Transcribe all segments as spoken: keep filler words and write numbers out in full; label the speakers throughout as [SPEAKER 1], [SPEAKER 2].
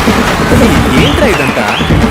[SPEAKER 1] ఏంట్రా ఇదంతా?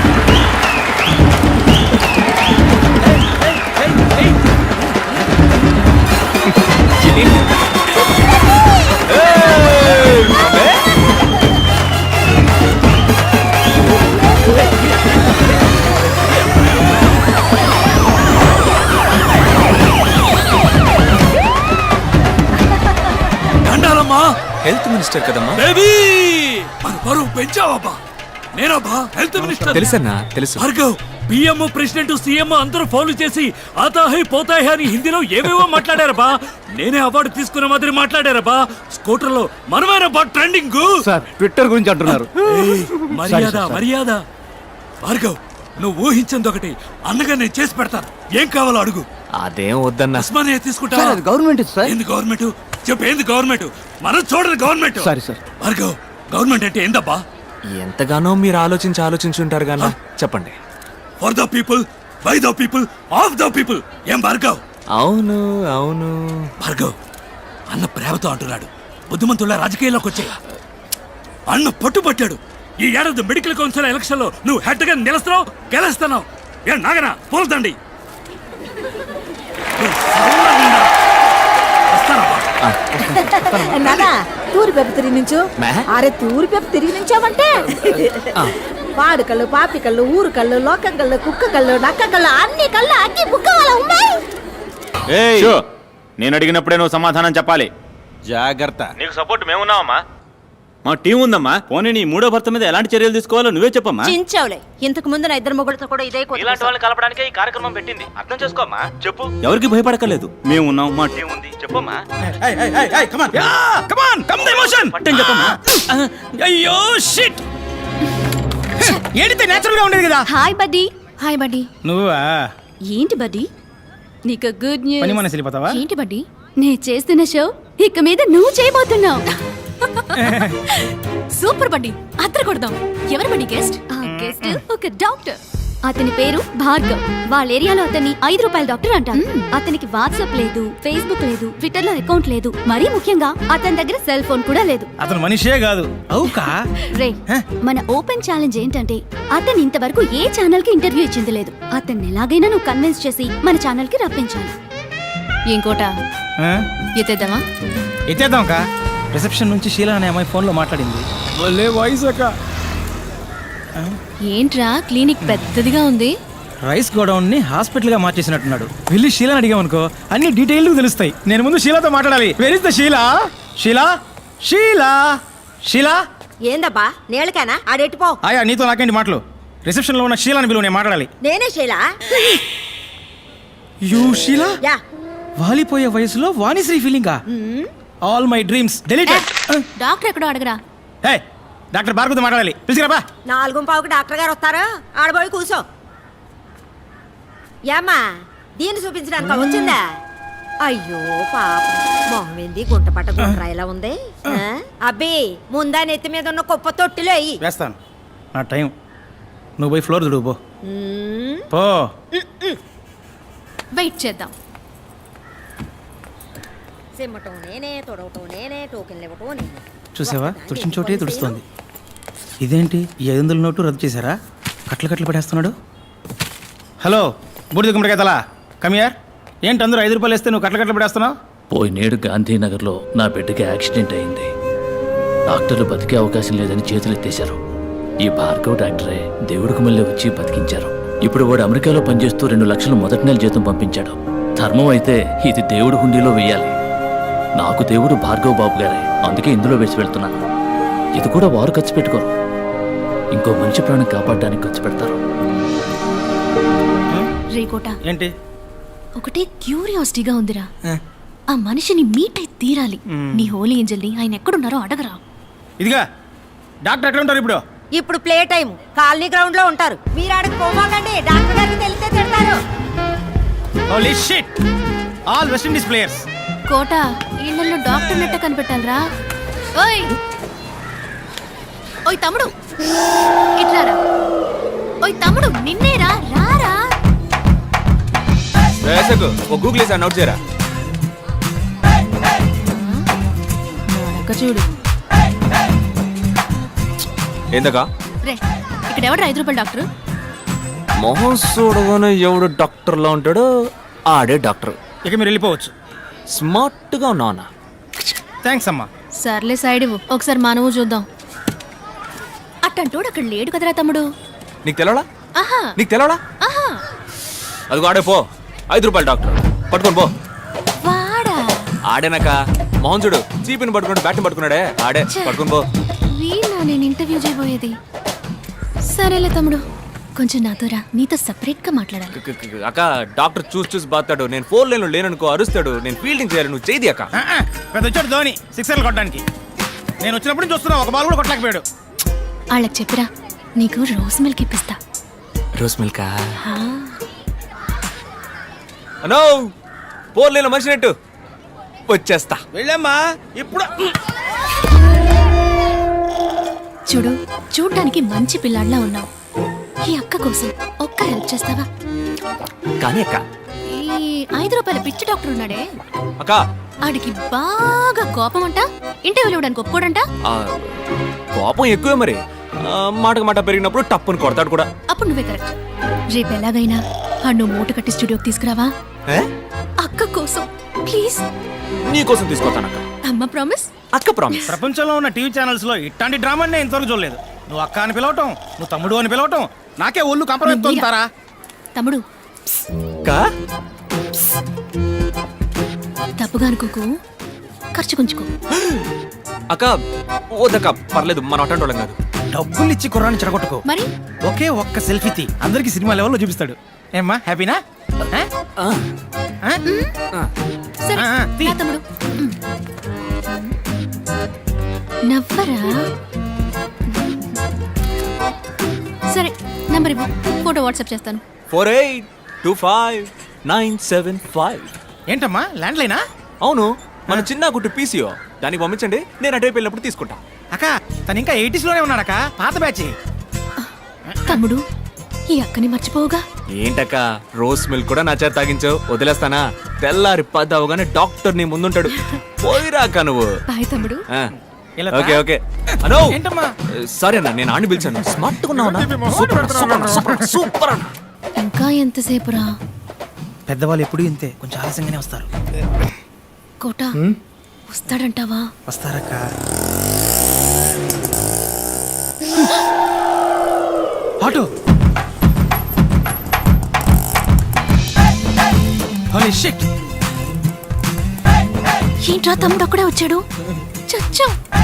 [SPEAKER 1] Health minister కదమ్మా.
[SPEAKER 2] బరువు పెంచావబ్బా. నేనబ్బా హెల్త్ మినిస్టర్.
[SPEAKER 1] తెలుసన్నా తెలుసు.
[SPEAKER 2] భార్గవ్, పిఎం ప్రెసిడెంట్ సీఎం అందరూ ఫౌలు చేసి ఆతాహై పోతాహై అని హిందీలో ఏవేవో మాట్లాడారబ్బా. నేనే అవార్డు తీసుకున్న మాదిరి మాట్లాడారబ్బా. స్కూటర్ లో మనమేనబ్బా ట్రెండింగ్.
[SPEAKER 3] సార్ ట్విట్టర్ గురించి అంటున్నారు.
[SPEAKER 2] మర్యాద మర్యాద. భార్గవ్, నువ్వు ఊహించింది ఒకటి, అన్నగా నేను చేసి పెడతాను. ఏం కావాలో అడుగు.
[SPEAKER 1] అదేం వద్దన్నా.
[SPEAKER 2] ఉస్మానియా తీసుకుంటా.
[SPEAKER 3] Government sir.
[SPEAKER 2] ఏంది గవర్నమెంట్? చెప్పు, ఏంది గవర్నమెంట్? మనం చూడదు government.
[SPEAKER 3] Sorry sir.
[SPEAKER 2] Bhargav, government అంటే ఏందబ్బా?
[SPEAKER 1] ఎంతగానో మీరు ఆలోచించి ఆలోచించి ఉంటారు గానా. చెప్పండి.
[SPEAKER 2] For the people, by the people, of the people. ఏం భార్గవ్?
[SPEAKER 1] అవును అవును.
[SPEAKER 2] భార్గవ్, అన్న ప్రేమతో అంటున్నాడు. బుద్ధిమంతుల రాజకీయాల్లోకి వచ్చే అన్న పట్టుబట్టాడు. ఈ ఏడాది మెడికల్ కౌన్సిల్ ఎలక్షన్ లో నువ్వు హెడ్ గా నిలుస్తున్నావు, గెలుస్తున్నావు. ఏ నాగనా పోల్దండి.
[SPEAKER 4] నానా తూరి పెప్ప తిరిగి నుంచు. అరే తూరి పెప్ప తిరిగి నుంచావంటే పాడు కళ్ళు, పాపి కళ్ళు, ఊరు కళ్ళు, లోకం కళ్ళు, కుక్క కళ్ళు, నక్క కళ్ళు, అన్ని కళ్ళు అన్ని బుక్క వాళ్ళ ఉన్నాయి.
[SPEAKER 5] నేను అడిగినప్పుడే నువ్వు సమాధానం చెప్పాలి.
[SPEAKER 3] జాగ్రత్త.
[SPEAKER 5] నీకు సపోర్ట్ మేమున్నావమ్మా. మా టీం ఉందమ్మా. పోనీ నీ మూడో భర్త మీద ఎలాంటి చర్యలు తీసుకోవాలో నువ్వే చెప్పమ్మా.
[SPEAKER 4] చించావులే. ఇంతకు ముందు నా ఇద్దరు మొగుడుతో కూడా ఇదే
[SPEAKER 5] ఇలాంటి వాళ్ళని కలపడానికి ఈ కార్యక్రమం పెట్టింది. అర్థం చేసుకోమ్మా. చెప్పు. ఎవరికి భయపడకలేదు. మేము ఉన్నాం, మా టీం ఉంది. చెప్పమ్మా.
[SPEAKER 2] అయ్యో షిట్.
[SPEAKER 3] ఏడితే నేచురల్ గా ఉండేది కదా.
[SPEAKER 6] Hi buddy. Hi buddy.
[SPEAKER 3] నువ్వా?
[SPEAKER 6] ఏంటి బడ్డీ, నీకు గుడ్ న్యూస్.
[SPEAKER 3] పని మనసు వెళ్ళిపోతావా?
[SPEAKER 6] ఏంటి బడ్డీ, నేను చేస్తున్న షో ఇక మీద నువ్వు చేయబోతున్నావు. సూపర్ బడ్డీ, అద్దరు కొడదాం. ఎవరు బడ్డీ గెస్ట్? ఆ గెస్ట్ ఒక డాక్టర్. అతని పేరు భార్గవ్. వాళ్ళ ఏరియాలో అతన్ని ఐదు రూపాయల డాక్టర్ అంటారు. అతనికి వాట్సాప్ లేదు, ఫేస్బుక్ లేదు, ట్విట్టర్ లో అకౌంట్ లేదు. మరీ ముఖ్యంగా అతని దగ్గర సెల్ ఫోన్ కూడా లేదు.
[SPEAKER 3] అతను మనిషే కాదు. అవుకా
[SPEAKER 6] రే, మన ఓపెన్ ఛాలెంజ్ ఏంటంటే అతను ఇంతవరకు ఏ ఛానల్ కి ఇంటర్వ్యూ ఇచ్చింది లేదు. అతన్ని ఎలాగైనా నువ్వు కన్విన్స్ చేసి మన ఛానల్ కి రప్పించాలి. ఇంకోట ఎత్తేద్దామా?
[SPEAKER 3] ఎత్తేద్దాం కా. రిసెప్షన్ నుంచి షీలా అనే అమ్మాయి ఫోన్ లో మాట్లాడింది. వాయిస్ అక్క.
[SPEAKER 6] ఏంట్రా క్లినిక్ పెద్దదిగా ఉంది.
[SPEAKER 3] రైస్ గోడౌన్ ని హాస్పిటల్ గా మార్చేసినట్టున్నాడు. వెళ్ళి షీలాని అడిగామనుకో అన్ని డీటెయిల్ తెలుస్తాయి. నేను ముందు షీలాతో మాట్లాడాలి. Where is the Sheela? Sheela Sheela Sheela.
[SPEAKER 4] ఏందబ్బా నేళ్ళకేనా ఆడెట్టిపో.
[SPEAKER 3] ఆయా నీతో నాకేంటి మాటలు? రిసెప్షన్ లో ఉన్న షీలాని బిలువ, నేను మాట్లాడాలి.
[SPEAKER 4] నేనే శైలా.
[SPEAKER 3] యూ షీలా?
[SPEAKER 4] యా.
[SPEAKER 3] వాలిపోయే వయసులో వాణిశ్రీ ఫీలింగా? All my dreams deleted.
[SPEAKER 6] Doctor ఎక్కడో అడగరా.
[SPEAKER 3] హే, డాక్టర్ భార్గవతో మాట్లాడాలి. పిలిచిరాబా.
[SPEAKER 4] నాలుగు పావుకి డాక్టర్ గారు వస్తారు. ఆడబోయి కూర్చో. ఏమ్మా దీన్ని చూపించడానికి వచ్చిందా? అయ్యో పాప, మొహం ఏంది గుంట పట్ట గుంట్రా ఇలా ఉంది. అబ్బి ముందా నెత్తి మీద ఉన్న కుప్ప తొట్టిలో అయ్యి
[SPEAKER 3] వేస్తాను. నా టైం. నువ్వు పోయి ఫ్లోర్ దుడువు పో.
[SPEAKER 6] వెయిట్ చేద్దాం.
[SPEAKER 4] సిమ్మటం నేనే, తొడవటం నేనే, టోకెన్లు ఇవ్వటం నేనే.
[SPEAKER 3] చూసావా, తుడిచిన చోటే తుడుస్తోంది. ఇదేంటి ఈ ఐదు వందల నోటు రద్దు చేశారా? కట్లు కట్లు పడేస్తున్నాడు. హలో బూడిద గుమ్మడికాయ తలా, కమియార్. ఏంటి అందరూ ఐదు రూపాయలు వేస్తే నువ్వు కట్ల కట్లు పడేస్తున్నావు?
[SPEAKER 7] పోయినేడు గాంధీనగర్లో నా బిడ్డకి యాక్సిడెంట్ అయింది. డాక్టర్లు బతికే అవకాశం లేదని చేతులెత్తేశారు. ఈ భార్గవ్ డాక్టరే దేవుడికి మళ్ళీ వచ్చి బతికించారు. ఇప్పుడు వాడు అమెరికాలో పనిచేస్తూ రెండు లక్షలు మొదటి నెల జీతం పంపించాడు. ధర్మం అయితే ఇది దేవుడి హుండీలో వేయాలి. నాకు దేవుడు భార్గవ్ బాబు గారే, అందుకే ఇందులో వేసి వెళ్తున్నాను. ఇది కూడా వారు ఖర్చు పెట్టుకోరు, ఇంకో మంచి ప్రాణం కాపాడడానికి ఖర్చు పెడతారు.
[SPEAKER 6] రేకోట
[SPEAKER 3] ఏంటి
[SPEAKER 6] ఒకటే క్యూరియాసిటీగా ఉందిరా. ఆ మనిషిని మీట్ అయి తీరాలి. నీ హోలీ ఏంజల్ ని ఆయన ఎక్కడున్నారో అడగరా.
[SPEAKER 3] ఇదిగా డాక్టర్ ఎక్కడ ఉంటారు ఇప్పుడు?
[SPEAKER 4] ఇప్పుడు ప్లే టైం కాలనీ గ్రౌండ్ లో ఉంటారు. మీరు ఆడకు పోమాకండి, డాక్టర్ గారికి తెలిస్తే తిడతారు.
[SPEAKER 3] Holy shit, all West Indies players.
[SPEAKER 6] Kota ఇళ్ళల్లో డాక్టర్ నెట్ట కనిపెట్టాలరా. ఓయ్ ఓయ్ తమ్ముడు ఇట్లారా. ఓయ్ తమ్ముడు నిన్నేరా, రారా.
[SPEAKER 1] వేసకు ఓ గూగుల్ చేసి నోట్ చేయరా.
[SPEAKER 6] చూడు
[SPEAKER 1] ఏందకా
[SPEAKER 6] రే ఇక్కడ ఎవడు ఐదు రూపాయలు డాక్టర్?
[SPEAKER 1] మొహం చూడగానే ఎవడు డాక్టర్లో ఉంటాడో ఆడే డాక్టర్.
[SPEAKER 3] ఇక మీరు వెళ్ళిపోవచ్చు.
[SPEAKER 1] స్మార్ట్గా ఉన్నావునా?
[SPEAKER 3] థ్యాంక్స్ అమ్మా.
[SPEAKER 6] సర్లే సైడ్ ఇవ్వు, ఒకసారి మానవు చూద్దాం. అట్టంటోడు అక్కడ లేడు కదరా తమ్ముడు.
[SPEAKER 1] నీకు తెలవడా?
[SPEAKER 6] ఆహా
[SPEAKER 1] నీకు తెలవడా?
[SPEAKER 6] ఆహా
[SPEAKER 1] అదిగో ఆడే పో, ఐదు రూపాయలు డాక్టర్ పట్టుకొని పో.
[SPEAKER 6] వాడా
[SPEAKER 1] ఆడేనాక మొహం చూడు, చీపిని పట్టుకున్నాడు, బ్యాట్ని పట్టుకున్నాడే ఆడే, పట్టుకొని పో.
[SPEAKER 6] వీళ్ళ నేను ఇంటర్వ్యూ చేయబోయేది. సరేలే తమ్ముడు, కొంచెం నాతో రా, నీతో సపరేట్ గా మాట్లాడాలి.
[SPEAKER 1] క- క- క- అక్క డాక్టర్ చూసి చూసి బాతాడు. నేను ఫోర్ లైన్ లో లేననుకో అరుస్తాడు. నేను ఫీల్డింగ్ చేయాలి, నువ్వు చేయి అక్క.
[SPEAKER 3] ఆ, ఆ, పెద్ద వచ్చాడు ధోని సిక్సర్లు కొట్టడానికి. నేను వచ్చినప్పుడు నుంచి చూస్తున్నా, ఒక బాల్ కూడా కొట్టలేకపోయాడు.
[SPEAKER 6] వాళ్ళకి చెప్పిరా, నీకు రోజ్ మిల్క్ ఇప్పిస్తా.
[SPEAKER 1] రోస్ మిల్క్
[SPEAKER 6] ఆ,
[SPEAKER 1] అనో ఫోర్ లైన్ లో మనిషి నెట్టు వచ్చేస్తా.
[SPEAKER 3] వెళ్ళమ్మా ఇప్పుడు.
[SPEAKER 6] చూడు, చూడ్డానికి మంచి పిల్లాడిలా ఉన్నావు. ఈ అక్క కోసం ఒక్క హెల్ప్ చేస్తావా?
[SPEAKER 1] కానీ అక్క
[SPEAKER 6] ఈ ఐదు రూపాయల పిచ్చి డాక్టర్ ఉన్నాడే,
[SPEAKER 1] అక్క
[SPEAKER 6] ఆడికి బాగా కోపం అంట, ఇంటర్వ్యూలు ఇవ్వడానికి ఒప్పుకోడంట.
[SPEAKER 1] ఆ, కోపం ఎక్కువే మరి. ఆ, మాటకు మాట పెరిగినప్పుడు టప్పుని కొడతాడు కూడా.
[SPEAKER 6] అప్పుడు నువ్వే కరెక్ట్. రేపు ఎలాగైనా ఆ నువ్వు మూట కట్టి స్టూడియోకి తీసుకురావా?
[SPEAKER 1] ఏ?
[SPEAKER 6] అక్క కోసం ప్లీజ్.
[SPEAKER 1] నీ కోసం తీసుకొస్తాను అక్క.
[SPEAKER 6] అమ్మ ప్రామిస్.
[SPEAKER 1] అక్క ప్రామిస్.
[SPEAKER 3] ప్రపంచంలో ఉన్న టీవీ ఛానల్స్ లో ఇట్లాంటి డ్రామా నేను ఇంతవరకు చూడలేదు. నువ్వు అక్క అని పిలవటం, నువ్వు తమ్ముడు అని పిలవటం, నాకే ఒళ్ళు కంపరెత్తారా.
[SPEAKER 6] తమ్ముడు
[SPEAKER 1] అక్క
[SPEAKER 6] తప్పుగా అనుకోకు, ఖర్చు కొంచుకో.
[SPEAKER 1] అక్క ఓదక్క పర్లేదు, మన అటెండ్ వాళ్ళం కాదు.
[SPEAKER 3] డబ్బులు ఇచ్చి కుర్రాన్ని చెడగొట్టుకో.
[SPEAKER 6] మరి
[SPEAKER 3] ఒకే ఒక్క సెల్ఫీ తీ, అందరికి సినిమా లెవెల్లో చూపిస్తాడు. ఏమ్మా హ్యాపీనా? ఆ?
[SPEAKER 1] ఆ,
[SPEAKER 3] ఆ?
[SPEAKER 1] ఆ.
[SPEAKER 6] సరే
[SPEAKER 3] ఆ, ఆ, తీ.
[SPEAKER 6] రా తమ్ముడు. ఉమ్. నవ్వరా? సరే నంబర్ ఇవ్వు, ఫోటో వాట్సాప్ చేస్తాను.
[SPEAKER 1] Four eight two five nine seven five.
[SPEAKER 3] ఏంటమ్మా ల్యాండ్ లైనా?
[SPEAKER 1] అవును, మన చిన్న గుట్టు పీసీఓ. దానికి పంపించండి, నేను అటువైపు వెళ్ళినప్పుడు తీసుకుంటా.
[SPEAKER 3] అక్క తను ఇంకా ఎయిటీస్ లోనే ఉన్నాడక్క, పాత బ్యాచ్.
[SPEAKER 6] తమ్ముడు, ఈ అక్కని మర్చిపోవుగా.
[SPEAKER 1] ఏంటక్క రోస్ మిల్క్ కూడా నా చేత తాగించావు, వదిలేస్తానా? తెల్లారి పది అవగానే డాక్టర్ నీ ముందుంటాడు. పోయిరాక నువ్వు.
[SPEAKER 6] బాయ్ తమ్ముడు.
[SPEAKER 1] ఆ,
[SPEAKER 3] ఇలా
[SPEAKER 1] ఓకే ఓకే. అనో
[SPEAKER 3] ఏంటమ్మా?
[SPEAKER 1] సరే అన్న, నేను ఆడిని పిలిచాను. స్మార్ట్ గా ఉన్నావు అన్న. సూపర్ అన్న, సూపర్ అన్న, సూపర్ అన్న, సూపర్ అన్న.
[SPEAKER 6] ఇంకా ఎంతసేపు రా?
[SPEAKER 3] పెద్దవాళ్ళు ఎప్పుడు ఇంతే, కొంచెం ఆలస్యంగానే వస్తారు.
[SPEAKER 6] కోట వస్తాడంటావా?
[SPEAKER 3] వస్తారక్క. ఆటో. Holy shit.
[SPEAKER 6] ఏంట్రా తమ్ముడు అక్కడే వచ్చాడు? చచ్చా.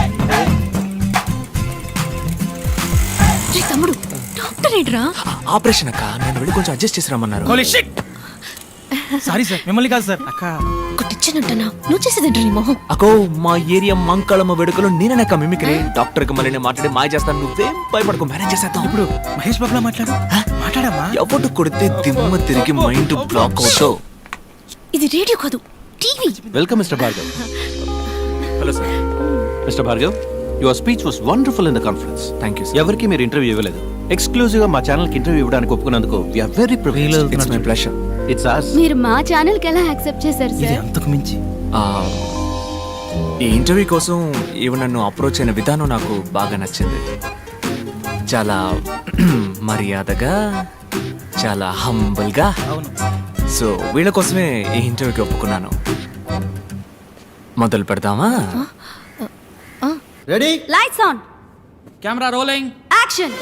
[SPEAKER 6] రే తమ్ముడు, డాక్టర్ ఏంట్రా?
[SPEAKER 1] ఆపరేషన్ అక్క, నేను వెళ్ళి కొంచెం అడ్జస్ట్ చేసి రమ్మన్నారు.
[SPEAKER 3] Holy shit. సారీ సార్, మిమ్మల్ని కాదు సార్. అక్క
[SPEAKER 6] కొట్టిచ్చానంటనా? నువ్వు చేసేదంట నీ మొహం.
[SPEAKER 1] అకో మా ఏరియా మంకళమ్మ వేడుకలో నేననక్క మిమిక్రీ. డాక్టర్ కి మళ్ళీ నేను మాట్లాడి మాయ చేస్తాను, నువ్వేం భయపడకు, మేనేజ్ చేసేద్దాం.
[SPEAKER 3] ఇప్పుడు మహేష్ బాబులా మాట్లాడు. మాట్లాడమ్మా.
[SPEAKER 1] ఎవడు కొడితే దిమ్మ తిరిగి మైండ్ బ్లాక్ అవుతావు.
[SPEAKER 6] ఇది రేడియో కాదు, TV.
[SPEAKER 8] Welcome, Mister Bhargav.
[SPEAKER 1] Hello sir.
[SPEAKER 8] Mister Bhargav, your speech was wonderful in the conference.
[SPEAKER 1] Thank you sir.
[SPEAKER 8] ఎవరికి మీరు ఇంటర్వ్యూ ఇవ్వలేదు. ఎక్స్క్లూజివ్ గా మా ఛానల్ కి ఇంటర్వ్యూ ఇవ్వడానికి ఒప్పుకున్నందుకు we are very privileged.
[SPEAKER 1] It's my pleasure.
[SPEAKER 8] It's us.
[SPEAKER 6] మీరు మా ఛానల్ కి ఎలా యాక్సెప్ట్ చేశారు
[SPEAKER 3] ఇది
[SPEAKER 6] సార్?
[SPEAKER 3] అంతకు మించి.
[SPEAKER 1] ఈ ఇంటర్వ్యూ కోసం ఈవిడ నన్ను అప్రోచ్ అయిన విధానం నాకు బాగా నచ్చింది. చాలా మర్యాదగా, చాలా హంబుల్గా.
[SPEAKER 3] అవును.
[SPEAKER 1] సో వీళ్ళ కోసమే ఈ ఇంటర్వ్యూకి ఒప్పుకున్నాను. మొదలు పెడదామా?
[SPEAKER 8] Ready?
[SPEAKER 6] Lights on,
[SPEAKER 2] camera rolling,
[SPEAKER 6] action.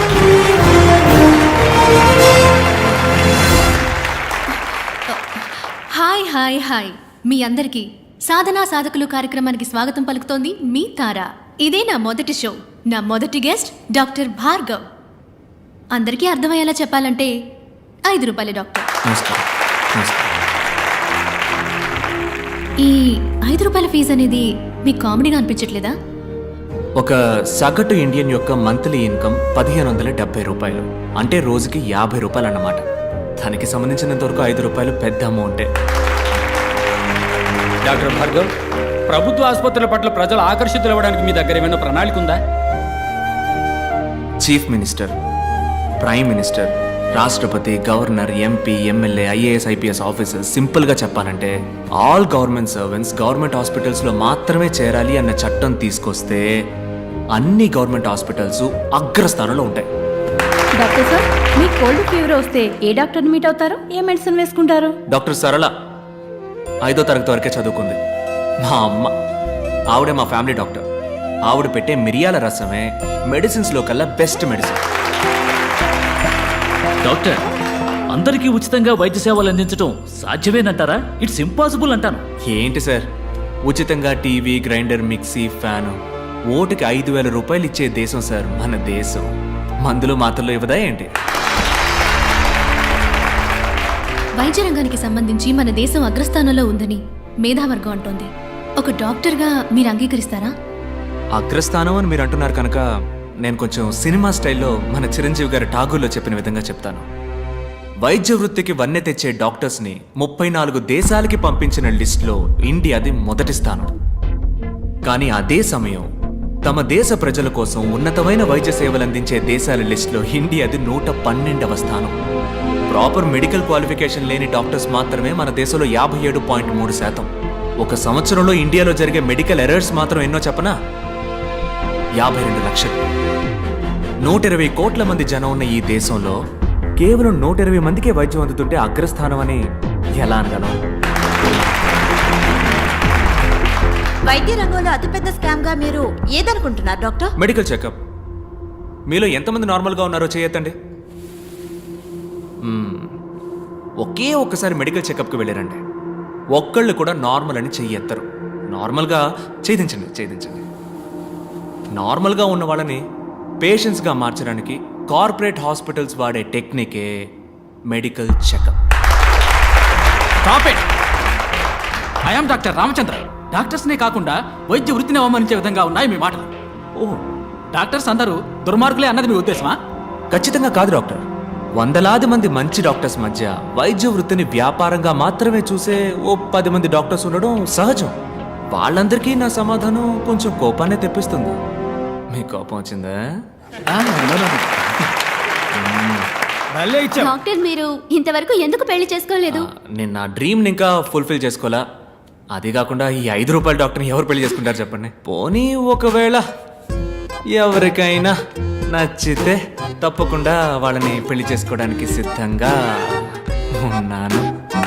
[SPEAKER 6] Hi hi hi మీ అందరికీ సాధనా సాధకులు కార్యక్రమానికి స్వాగతం పలుకుతోంది మీ తార. ఇదే నా మొదటి షో. నా మొదటి గెస్ట్ డాక్టర్ భార్గవ్. అందరికీ అర్థమయ్యేలా చెప్పాలంటే ఐదు రూపాయల డాక్టర్.
[SPEAKER 1] నమస్కారం. నమస్కారం.
[SPEAKER 6] ఈ ఐదు రూపాయల ఫీజు అనేది మీకు కామెడీగా అనిపించట్లేదా?
[SPEAKER 1] ఒక సగటు ఇండియన్ యొక్క మంత్లీ ఇన్కమ్ పదిహేను వందల డెబ్బై రూపాయలు, అంటే రోజుకి యాభై రూపాయలు అన్నమాట. దానికి సంబంధించినంత వరకు ఐదు రూపాయలు పెద్ద అమౌంటే.
[SPEAKER 9] డాక్టర్ భార్గవ్, ప్రభుత్వ ఆసుపత్రుల పట్ల ప్రజలు ఆకర్షితులు అవ్వడానికి మీ దగ్గర ఏమైనా ప్రణాళిక ఉందా?
[SPEAKER 1] చీఫ్ మినిస్టర్, ప్రైమ్ మినిస్టర్, రాష్ట్రపతి, governor, MP, MLA, IAS, IPS officers, సింపుల్గా చెప్పాలంటే ఆల్ గవర్నమెంట్ సర్వెంట్స్ గవర్నమెంట్ హాస్పిటల్స్లో మాత్రమే చేరాలి అన్న చట్టం తీసుకొస్తే అన్ని గవర్నమెంట్ హాస్పిటల్స్ అగ్రస్థానంలో ఉంటాయి.
[SPEAKER 10] డాక్టర్ సార్, మీ కోల్డ్ ఫీవర్ వస్తే ఏ డాక్టర్ని మీట్ అవుతారు? ఏ మెడిసిన్ వేసుకుంటారు?
[SPEAKER 1] డాక్టర్ సరళ ఐదో తరగతి వరకే చదువుకుంది. మా అమ్మ ఆవిడే మా ఫ్యామిలీ డాక్టర్. ఆవిడ పెట్టే మిరియాల రసమే మెడిసిన్స్లో కల్లా బెస్ట్ మెడిసిన్.
[SPEAKER 7] డాక్టర్, అందరికీ ఉచితంగా వైద్య సేవలు అందించడం సాధ్యమేనంటారా? ఇట్స్ ఇంపాసిబుల్ అంటాను.
[SPEAKER 1] ఏంటి సార్, ఉచితంగా టీవీ, గ్రైండర్, మిక్సీ, ఫ్యాను ఓటుకి ఐదు వేల రూపాయలు ఇచ్చే దేశం సార్ మన దేశం. మందులు మాత్రలు ఇవ్వదా ఏంటి?
[SPEAKER 6] వైద్య రంగానికి సంబంధించి మన దేశం అగ్రస్థానంలో ఉందని మేధావర్గం అంటోంది. ఒక డాక్టర్గా మీరు అంగీకరిస్తారా?
[SPEAKER 1] అగ్రస్థానం అని మీరు అంటున్నారు కనుక నేను కొంచెం సినిమా స్టైల్లో మన చిరంజీవి గారి ఠాగూర్లో చెప్పిన విధంగా చెప్తాను. వైద్య వృత్తికి వన్నె తెచ్చే డాక్టర్స్ని ముప్పై నాలుగు దేశాలకి పంపించిన లిస్టులో ఇండియాది మొదటి స్థానం. కానీ అదే సమయం తమ దేశ ప్రజల కోసం ఉన్నతమైన వైద్య సేవలు అందించే దేశాల లిస్టులో ఇండియాది నూట పన్నెండవ స్థానం. ప్రాపర్ మెడికల్ క్వాలిఫికేషన్ లేని డాక్టర్స్ మాత్రమే మన దేశంలో యాభై ఏడు పాయింట్ మూడు శాతం. ఒక సంవత్సరంలో ఇండియాలో జరిగే మెడికల్ ఎర్రర్స్ మాత్రం ఎన్నో చెప్పనా? యాభై రెండు లక్షలు. నూట ఇరవై కోట్ల మంది జనం ఉన్న ఈ దేశంలో కేవలం నూట ఇరవై మందికే వైద్యం అందుతుంటే అగ్రస్థానం అని ఎలా అనగలం?
[SPEAKER 4] వైద్య రంగంలో అతిపెద్ద స్కామ్ గా మీరు ఏదనుకుంటున్నారు డాక్టర్?
[SPEAKER 1] Medical checkup. మీలో ఎంతమంది నార్మల్గా ఉన్నారో చేయొద్దండి. మ్మ్. ఒకే ఒక్కసారి మెడికల్ చెకప్కి వెళ్ళారండి, ఒక్కళ్ళు కూడా నార్మల్ అని చెయ్యెత్తరు. నార్మల్గా ఛేదించండి ఛేదించండి నార్మల్గా ఉన్న వాళ్ళని పేషెంట్స్గా మార్చడానికి కార్పొరేట్ హాస్పిటల్స్ వాడే టెక్నికే medical checkup.
[SPEAKER 9] Stop it. I am doctor Ramachandra. డాక్టర్స్నే కాకుండా వైద్య వృత్తిని అవమానించే విధంగా ఉన్నాయి మీ మాటలు.
[SPEAKER 1] ఓ,
[SPEAKER 9] డాక్టర్స్ అందరూ దుర్మార్గులే అన్నది మీ ఉద్దేశమా?
[SPEAKER 1] ఖచ్చితంగా కాదు డాక్టర్. వందలాది మంది మంచి డాక్టర్స్ మధ్య వైద్య వృత్తిని వ్యాపారంగా మాత్రమే చూసే ఓ పది మంది డాక్టర్స్ ఉండడం సహజం. వాళ్ళందరికీ నా సమాధానం కొంచెం కోపాన్ని తెప్పిస్తుంది. మీ కోపం వచ్చిందా?
[SPEAKER 3] భలే ఇచ్చావు.
[SPEAKER 6] డాక్టర్, మీరు ఇంతవరకు ఎందుకు పెళ్లి చేసుకోలేదు?
[SPEAKER 1] ఆ, నేను నా డ్రీమ్ని ఇంకా ఫుల్ఫిల్ చేసుకోవాలా. అది కాకుండా ఈ ఐదు రూపాయల డాక్టర్ని ఎవరు పెళ్లి చేసుకుంటారు చెప్పండి? పోనీ ఒకవేళ ఎవరికైనా నచ్చితే తప్పకుండా వాళ్ళని పెళ్లి చేసుకోవడానికి సిద్ధంగా ఉన్నాను.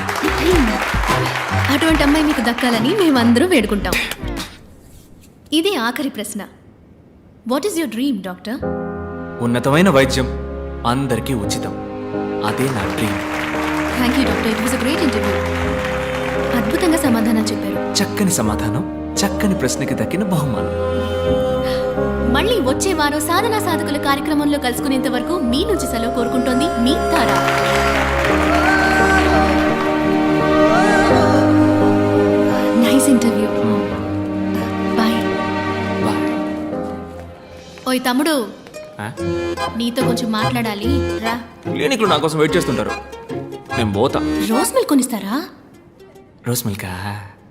[SPEAKER 6] అటువంటి అమ్మాయి మీకు దక్కాలని మేమందరూ వేడుకుంటాం. ఇదే ఆఖరి ప్రశ్న. What is your dream doctor?
[SPEAKER 1] ఉన్నతమైన వైద్యం అందరికీ ఉచితం. అదే నా dream.
[SPEAKER 6] Thank you doctor, it was a great interview. అద్భుతంగా సమాధానం చెప్పారు.
[SPEAKER 1] చక్కని సమాధానం, చక్కని ప్రశ్నకి దక్కిన బహుమానం.
[SPEAKER 6] మళ్ళీ వచ్చే వారం సాధనా సాధకుల కార్యక్రమంలో కలుసుకునేంత వరకు మీ నుంచి సెలవు కోరుకుంటోంది మీ Tara. Nice interview. Bye.
[SPEAKER 1] Bye.
[SPEAKER 6] ఓయ్ తమ్ముడు,
[SPEAKER 1] ఆ?
[SPEAKER 6] నీతో కొంచెం మాట్లాడాలి, రా.
[SPEAKER 1] క్లినిక్లో నా కోసం వెయిట్ చేస్తుంటారు. నేను పోతా.
[SPEAKER 6] రోజ్ మిల్క్ కొనిస్తారా?
[SPEAKER 1] రోస్ మిల్కా?